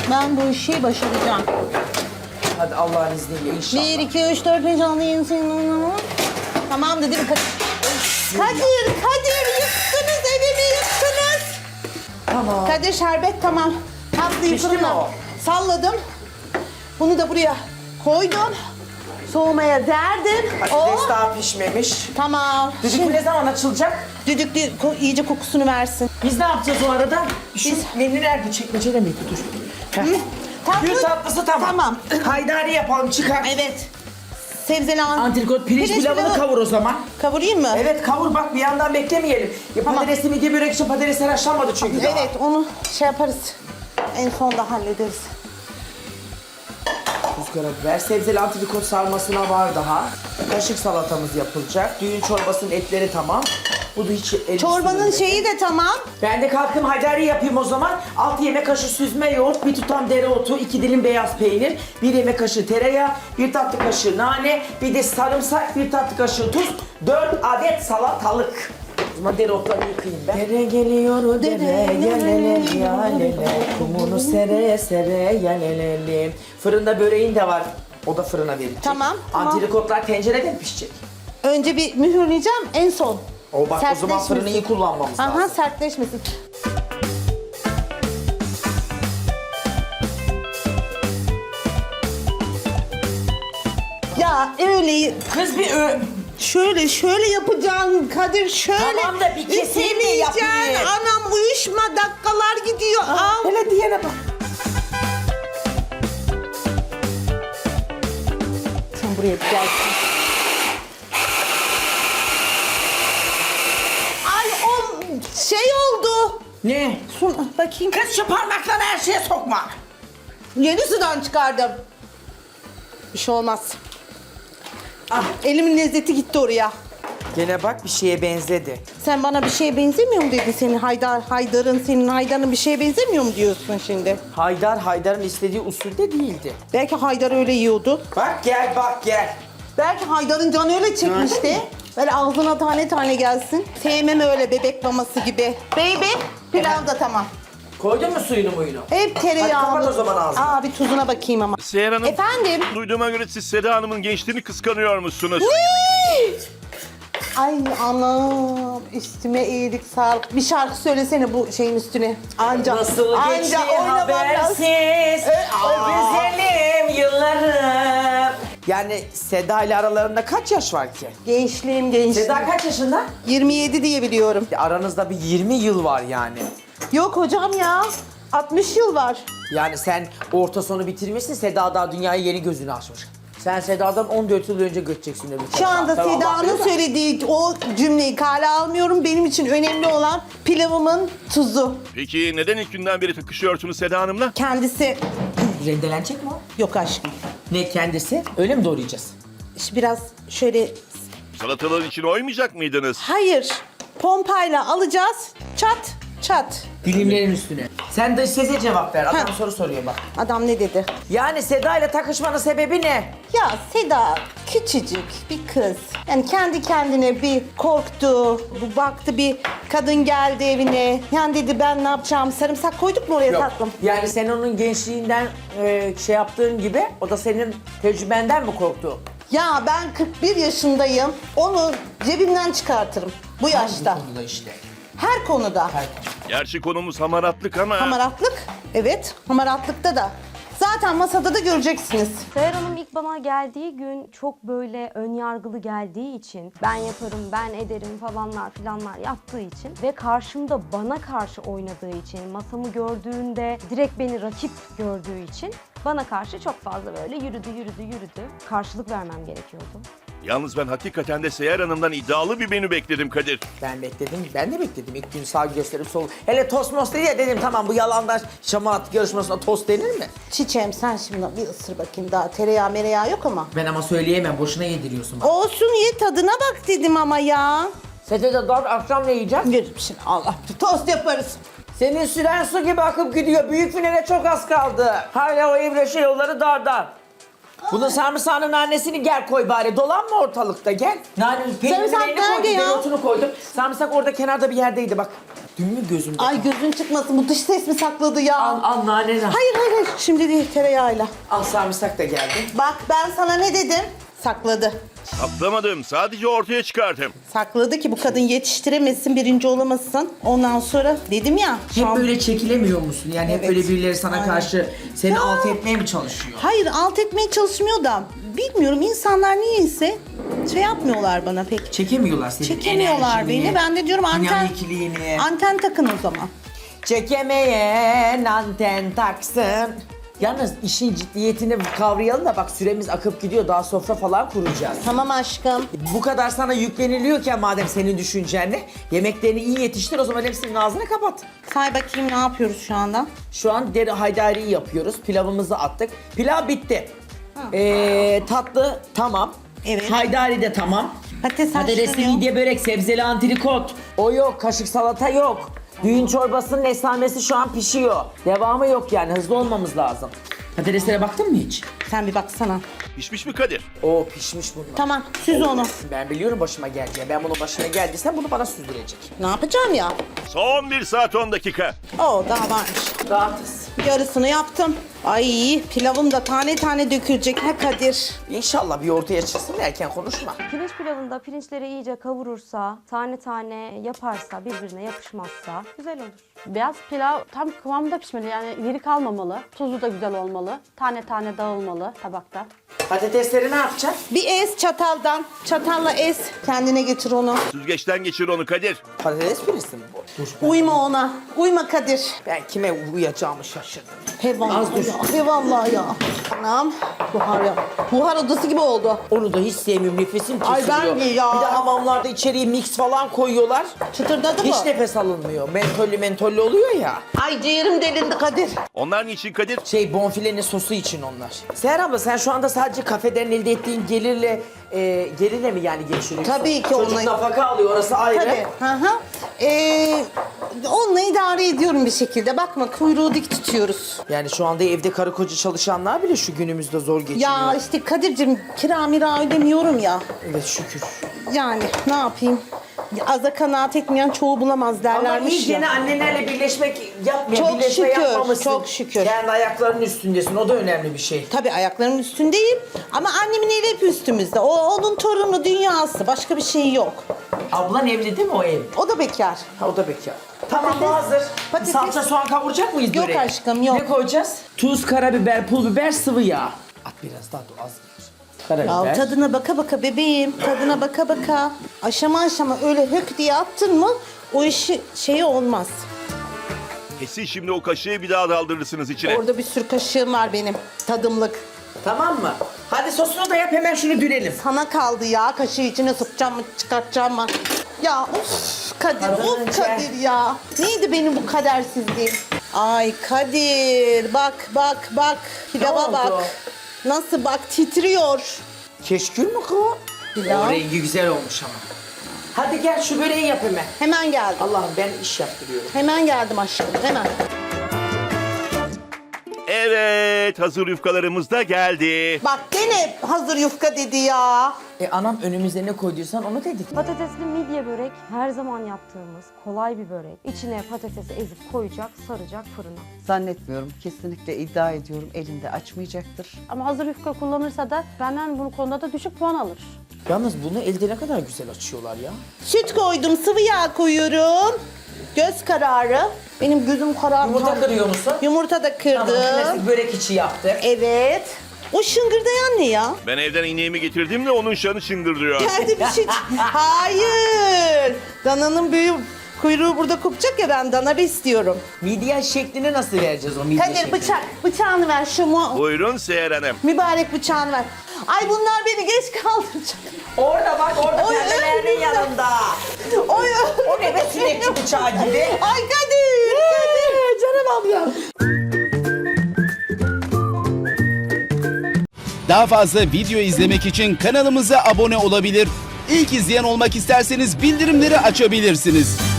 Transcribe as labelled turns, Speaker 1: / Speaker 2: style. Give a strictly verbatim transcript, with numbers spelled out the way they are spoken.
Speaker 1: Ben bu işi başaracağım.
Speaker 2: Hadi Allah'ın izniyle inşallah.
Speaker 1: Bir, iki, üç, dört, beş, altı, yedi, sekiz, tamam dedim. Kadir, Kadir, Kadir yıktınız evimi yıktınız.
Speaker 2: Tamam.
Speaker 1: Kadir şerbet tamam. Tatlıyı
Speaker 2: Pişti mi
Speaker 1: fırına
Speaker 2: o?
Speaker 1: salladım. Bunu da buraya koydum. Soğumaya verdim.
Speaker 2: Patates
Speaker 1: O
Speaker 2: daha pişmemiş.
Speaker 1: tamam.
Speaker 2: Düdük ne zaman açılacak?
Speaker 1: Düdüklü ko- iyice kokusunu versin.
Speaker 2: Biz ne yapacağız o arada? Şu
Speaker 1: Biz-
Speaker 2: menü nerede? Çekmecede miydi? Dur. Heh.
Speaker 1: Tatlı-
Speaker 2: Gül tatlısı tamam.
Speaker 1: Tamam.
Speaker 2: Haydari yapalım çıkar.
Speaker 1: Evet. Sebzeli an-
Speaker 2: Antrikot pirinç, pilavını
Speaker 1: pilavı-
Speaker 2: kavur o zaman.
Speaker 1: Kavurayım mı?
Speaker 2: Evet kavur bak bir yandan beklemeyelim. Ya
Speaker 1: Tamam.
Speaker 2: patatesli midye börek için patatesler haşlanmadı çünkü daha.
Speaker 1: Evet onu şey yaparız. En sonda hallederiz.
Speaker 2: Tuz, karabiber, sebzeli antrikot sarmasına var daha. Kaşık salatamız yapılacak. Düğün çorbasının etleri tamam. Bu da hiç el
Speaker 1: Çorbanın
Speaker 2: sürmedi.
Speaker 1: şeyi de tamam.
Speaker 2: Ben de kalkayım haydari yapayım o zaman. altı yemek kaşığı süzme yoğurt, bir tutam dereotu, iki dilim beyaz peynir, bir yemek kaşığı tereyağı, bir tatlı kaşığı nane, bir de sarımsak, bir tatlı kaşığı tuz, dört adet salatalık. O zaman dereotları yıkayayım ben. Dere geliyor dere, yalele yalele, kumunu sere sere yalele. Fırında böreğin de var. O da fırına verilecek.
Speaker 1: Tamam, tamam.
Speaker 2: Antrikotlar tencerede mi pişecek?
Speaker 1: Önce bir mühürleyeceğim en son.
Speaker 2: O bak o zaman
Speaker 1: Sertleşmesin.
Speaker 2: fırını iyi kullanmamız
Speaker 1: Aha
Speaker 2: lazım.
Speaker 1: sertleşmesin. Ya öyle
Speaker 2: Kız bir ö...
Speaker 1: şöyle şöyle yapacaksın Kadir şöyle.
Speaker 2: Tamam da bir keseyim de
Speaker 1: Üflemeyeceksin.
Speaker 2: yapayım.
Speaker 1: Anam uyuşma dakikalar gidiyor. Al.
Speaker 2: Hele diyene bak.
Speaker 1: Sen buraya bir gelsin. Ay o şey oldu.
Speaker 2: Ne?
Speaker 1: Su, bakayım.
Speaker 2: Kız şu parmaklarını her şeye sokma.
Speaker 1: Yeni sudan çıkardım. Bir şey olmaz. Ah, elimin lezzeti gitti oraya.
Speaker 2: Gene bak bir şeye benzedi.
Speaker 1: Sen bana bir şeye benzemiyor mu dedin senin Haydar, Haydar'ın, senin Haydar'ın bir şeye benzemiyor mu diyorsun şimdi?
Speaker 2: Haydar Haydar'ın istediği usulde değildi.
Speaker 1: Belki Haydar öyle yiyordu.
Speaker 2: Bak gel bak gel.
Speaker 1: Belki Haydar'ın canı öyle çekmişti. Böyle ağzına tane tane gelsin. Sevmem öyle bebek maması gibi. Baby, pilav da tamam.
Speaker 2: Koydun mu suyunu muyunu?
Speaker 1: Hep tereyağlı.
Speaker 2: Hadi kapat o zaman ağzını.
Speaker 1: Aa bir tuzuna bakayım ama.
Speaker 3: Seher Hanım,
Speaker 1: Efendim?
Speaker 3: duyduğuma göre siz Seda Hanım'ın gençliğini kıskanıyor musunuz?
Speaker 1: Ay anam üstüme iyilik sağlık. Bir şarkı söylesene bu şeyin üstüne. Anca,
Speaker 2: Nasıl geçti
Speaker 1: oynamam lazım.
Speaker 2: habersiz
Speaker 1: E,
Speaker 2: o
Speaker 1: aa.
Speaker 2: güzelim yıllarım. Yani Seda ile aralarında kaç yaş var ki?
Speaker 1: Gençliğim gençliğim.
Speaker 2: Seda kaç yaşında?
Speaker 1: yirmi yedi diye biliyorum.
Speaker 2: Aranızda bir yirmi yıl var yani.
Speaker 1: Yok hocam ya. altmış yıl var.
Speaker 2: Yani sen orta sonu bitirmişsin, Seda daha dünyaya yeni gözünü açmış. Sen Seda'dan on dört yıl önce göçeceksin öbür
Speaker 1: Şu
Speaker 2: tarafa.
Speaker 1: anda
Speaker 2: Tamam,
Speaker 1: Seda'nın
Speaker 2: bakıyor da.
Speaker 1: söylediği o cümleyi kale almıyorum. Benim için önemli olan pilavımın tuzu.
Speaker 3: Peki neden ilk günden beri takışıyorsunuz Seda Hanım'la?
Speaker 1: Kendisi...
Speaker 2: Rendelenecek mi o?
Speaker 1: Yok aşkım.
Speaker 2: Ne kendisi? Öyle mi doğrayacağız?
Speaker 1: İşte biraz şöyle...
Speaker 3: Salatalar için oymayacak mıydınız?
Speaker 1: Hayır. Pompayla alacağız. Çat çat.
Speaker 2: Dilimlerin üstüne. Sen de size cevap ver. Adam
Speaker 1: Ha.
Speaker 2: soru soruyor bak.
Speaker 1: Adam ne dedi?
Speaker 2: Yani Seda ile takışmanın sebebi ne?
Speaker 1: Ya Seda küçücük bir kız. Yani kendi kendine bir korktu. Bu baktı bir kadın geldi evine. Yani dedi ben ne yapacağım? Sarımsak koyduk mu oraya tatlım?
Speaker 2: Yani sen onun gençliğinden e, şey yaptığın gibi o da senin tecrübenden mi korktu?
Speaker 1: Ya ben kırk bir yaşındayım. Onu cebimden çıkartırım. Bu yaşta.
Speaker 2: Hangi konuda işte?
Speaker 1: Her konuda.
Speaker 2: Her konuda.
Speaker 3: Gerçi konumuz hamaratlık ama...
Speaker 1: Hamaratlık. Evet. Hamaratlıkta da. Zaten masada da göreceksiniz.
Speaker 4: Seher Hanım ilk bana geldiği gün çok böyle önyargılı geldiği için ben yaparım, ben ederim falanlar filanlar yaptığı için ve karşımda bana karşı oynadığı için, masamı gördüğünde direkt beni rakip gördüğü için bana karşı çok fazla böyle yürüdü yürüdü yürüdü. Karşılık vermem gerekiyordu.
Speaker 3: Yalnız ben hakikaten de Seher Hanım'dan iddialı bir menü bekledim Kadir.
Speaker 2: Ben bekledim, ben de bekledim. İlk gün sağ gösterip sol. Hele tost most dedi ya dedim tamam bu yalandan şamarat yarışmasına tost denir mi?
Speaker 1: Çiçeğim sen şimdi bir ısır bakayım daha. Tereyağı mereyağı yok ama.
Speaker 2: Ben ama söyleyemem, boşuna yediriyorsun bak.
Speaker 1: Olsun ye tadına bak dedim ama ya.
Speaker 2: Sete de dört akşam ne yiyeceğiz?
Speaker 1: Yürü şimdi Allah. Tost yaparız.
Speaker 2: Senin süren su gibi akıp gidiyor. Büyük finale çok az kaldı. Hala o İbreşe yolları dar dar. Bunun sarımsağının annesini gel koy bari. Dolanma ortalıkta gel. Nane, peynirin
Speaker 1: Sarımsak
Speaker 2: neyini koydum,
Speaker 1: nerede ya?
Speaker 2: dereotunu koydum. Sarımsak orada kenarda bir yerdeydi bak. Dün mü gözümde?
Speaker 1: Ay gözün çıkmasın, bu dış ses mi sakladı ya?
Speaker 2: Al al nane lan.
Speaker 1: Hayır hayır hayır, şimdi değil, tereyağıyla.
Speaker 2: Al sarımsak da geldi.
Speaker 1: Bak ben sana ne dedim? Sakladı.
Speaker 3: Saklamadım, sadece ortaya çıkardım.
Speaker 1: Sakladı ki bu kadın yetiştiremesin, birinci olamasın. Ondan sonra dedim ya.
Speaker 2: Hep
Speaker 1: şam-
Speaker 2: böyle çekilemiyor musun? Yani hep
Speaker 1: Evet.
Speaker 2: böyle birileri sana
Speaker 1: Aynen.
Speaker 2: karşı seni alt etmeye mi çalışıyor?
Speaker 1: Hayır, alt etmeye çalışmıyor da. Bilmiyorum, insanlar niyeyse şey yapmıyorlar bana pek.
Speaker 2: Çekemiyorlar seni.
Speaker 1: Çekemiyorlar
Speaker 2: enerjini,
Speaker 1: beni. Ben de diyorum anten,
Speaker 2: dinamikliğini.
Speaker 1: anten takın o zaman.
Speaker 2: Çekemeyen anten taksın. Yalnız işin ciddiyetini kavrayalım da bak süremiz akıp gidiyor. Daha sofra falan kuracağız.
Speaker 1: Tamam aşkım.
Speaker 2: Bu kadar sana yükleniliyorken madem senin düşüncenle yemeklerini iyi yetiştir o zaman hepsinin ağzını kapat.
Speaker 1: Say bakayım ne yapıyoruz şu anda?
Speaker 2: Şu an deri haydariyi yapıyoruz. Pilavımızı attık. Pilav bitti. Ee, tatlı tamam.
Speaker 1: Evet.
Speaker 2: Haydari de tamam.
Speaker 1: Patates
Speaker 2: Patatesli
Speaker 1: haşlanıyor.
Speaker 2: midye börek, sebzeli antrikot. O yok, kaşık salata yok. Düğün çorbasının esamesi şu an pişiyor. Devamı yok yani, hızlı olmamız lazım. Patateslere baktın mı hiç?
Speaker 1: Sen bir baksana.
Speaker 3: Pişmiş mi Kadir?
Speaker 2: Oo pişmiş bunlar.
Speaker 1: Tamam, süz onu.
Speaker 2: Ben biliyorum başıma geleceğini. Ben bunun başına geldiysen bunu bana süzdürecek.
Speaker 1: Ne yapacağım ya?
Speaker 3: Son bir saat on dakika.
Speaker 1: Oo, daha varmış.
Speaker 2: Rahatız.
Speaker 1: Yarısını yaptım. Ay, pilavım da tane tane dökülecek ha Kadir.
Speaker 2: İnşallah bir ortaya çıksın, erken konuşma.
Speaker 4: Pirinç pilavında pirinçleri iyice kavurursa, tane tane yaparsa, birbirine yapışmazsa güzel olur.
Speaker 5: Beyaz pilav tam kıvamında pişmeli, yani iri kalmamalı. Tuzu da güzel olmalı. Tane tane dağılmalı tabakta.
Speaker 2: Patatesleri ne yapacaksın?
Speaker 1: Bir ez çataldan. Çatalla ez. Kendine getir onu.
Speaker 3: Süzgeçten geçir onu Kadir.
Speaker 2: Patates püresi mi bu? Dur.
Speaker 1: Uyma ona. Uyma Kadir.
Speaker 2: Ben kime uyuyacağımı şaşırdım.
Speaker 1: Hevallah
Speaker 2: Az dur.
Speaker 1: ya. Hevallah ya. Anam. Buhar ya. Buhar odası gibi oldu.
Speaker 2: Onu da hiç sevmiyorum, nefesim
Speaker 1: Ay
Speaker 2: kesiliyor.
Speaker 1: ben de ya.
Speaker 2: Bir de hamamlarda içeriye mix falan koyuyorlar.
Speaker 1: Çıtırdadı mı?
Speaker 2: Hiç nefes alınmıyor. Mentollü mentollü oluyor ya.
Speaker 1: Ay ciğerim delindi Kadir.
Speaker 3: Onlar niçin Kadir?
Speaker 2: Şey bonfilenin sosu için onlar. Seher abla sen şu anda sadece kafeden elde ettiğin gelirle e, gelirle mi yani geçiriyorsun?
Speaker 1: Tabii ki
Speaker 2: Çocuk
Speaker 1: onunla-
Speaker 2: nafaka alıyor, orası ayrı.
Speaker 1: Tabii. Hı hı. Ee, onunla idare ediyorum bir şekilde. Bakma kuyruğu dik tutuyoruz.
Speaker 2: Yani şu anda evde karı koca çalışanlar bile şu günümüzde zor geçiniyor.
Speaker 1: Ya işte Kadir'cim kira mira ödemiyorum ya.
Speaker 2: Evet şükür.
Speaker 1: Yani ne yapayım? Aza kanaat etmeyen çoğu bulamaz
Speaker 2: Ama
Speaker 1: derlermiş
Speaker 2: iyi
Speaker 1: ya.
Speaker 2: gene annenlerle birleşmek yapmıyor.
Speaker 1: Çok
Speaker 2: birleşme
Speaker 1: şükür,
Speaker 2: yapmamışsın.
Speaker 1: çok şükür.
Speaker 2: Kendi ayaklarının üstündesin, o da önemli bir şey.
Speaker 1: Tabii ayaklarımın üstündeyim ama annemin eli hep üstümüzde. O onun torunu dünyası. Başka bir şey yok.
Speaker 2: Ablan evli değil mi o ev?
Speaker 1: O da bekar.
Speaker 2: Ha, o da bekar. Tamam bu
Speaker 1: Patates-
Speaker 2: hazır.
Speaker 1: patates-
Speaker 2: Salça soğan kavuracak mıyız
Speaker 1: Yok
Speaker 2: böreğe?
Speaker 1: aşkım, yok.
Speaker 2: Ne koyacağız? Tuz, karabiber, pul biber, sıvı yağ. At biraz daha dur az. Karabiber.
Speaker 1: Ya tadına baka baka bebeğim. Tadına baka baka. Aşama aşama öyle hök diye attın mı o işi şeyi olmaz.
Speaker 3: Kesin şimdi o kaşığı bir daha daldırırsınız içine.
Speaker 1: Orada bir sürü kaşığım var benim. Tadımlık.
Speaker 2: Tamam mı? Hadi sosunu da yap, hemen şunu dürelim.
Speaker 1: Sana kaldı ya. Kaşığı içine sokacağım mı çıkartacağım mı? Ya of Kadir,
Speaker 2: Kadının
Speaker 1: of
Speaker 2: çen-
Speaker 1: Kadir ya. Neydi benim bu kadersizliğim? Ay Kadir bak bak bak. Pilava
Speaker 2: oldu?
Speaker 1: bak. Nasıl bak titriyor.
Speaker 2: Keşkül mü kız?
Speaker 1: Pilav.
Speaker 2: O rengi güzel olmuş ama. Hadi gel şu böreği yap hemen.
Speaker 1: Hemen geldim.
Speaker 2: Allah'ım ben iş yaptırıyorum.
Speaker 1: Hemen geldim aşkım hemen.
Speaker 3: Evet, hazır yufkalarımız da geldi.
Speaker 1: Bak gene hazır yufka dedi ya.
Speaker 2: E anam önümüze ne koyduysan onu dedik.
Speaker 4: Patatesli midye börek her zaman yaptığımız kolay bir börek. İçine patatesi ezip koyacak, saracak fırına.
Speaker 6: Zannetmiyorum. Kesinlikle iddia ediyorum elinde açmayacaktır.
Speaker 5: Ama hazır yufka kullanırsa da benden bu konuda da düşük puan alır.
Speaker 2: Yalnız bunu elde ne kadar güzel açıyorlar ya.
Speaker 1: Süt koydum, sıvı yağ koyuyorum. Göz kararı. Benim gözüm karardı.
Speaker 2: Yumurta kırıyor musun?
Speaker 1: Yumurta da kırdım.
Speaker 2: Tamam, klasik börek içi yaptık.
Speaker 1: Evet. O şıngırdayan ne ya?
Speaker 3: Ben evden ineğimi getirdim de onun şanı çıngırdıyor.
Speaker 1: Geldi bir şey. Hayır. Dananın büyüğü kuyruğu burada kopacak ya, ben dana istiyorum.
Speaker 2: Midye şeklini nasıl vereceğiz o midye
Speaker 1: Kadir
Speaker 2: şeklini?
Speaker 1: bıçak, bıçağını ver şu mu?
Speaker 3: Buyurun Seher Hanım.
Speaker 1: Mübarek bıçağını ver. Ay bunlar beni geç kaldıracak.
Speaker 2: Orada bak, orada
Speaker 1: Oy,
Speaker 2: pembelerinin
Speaker 1: önümüzde.
Speaker 2: yanında.
Speaker 1: Oy,
Speaker 2: O ne be, sinekçi bıçağı gibi.
Speaker 1: Ay Kadir, Kadir.
Speaker 2: Canım ablam.
Speaker 7: Daha fazla video izlemek için kanalımıza abone olabilir. İlk izleyen olmak isterseniz bildirimleri açabilirsiniz.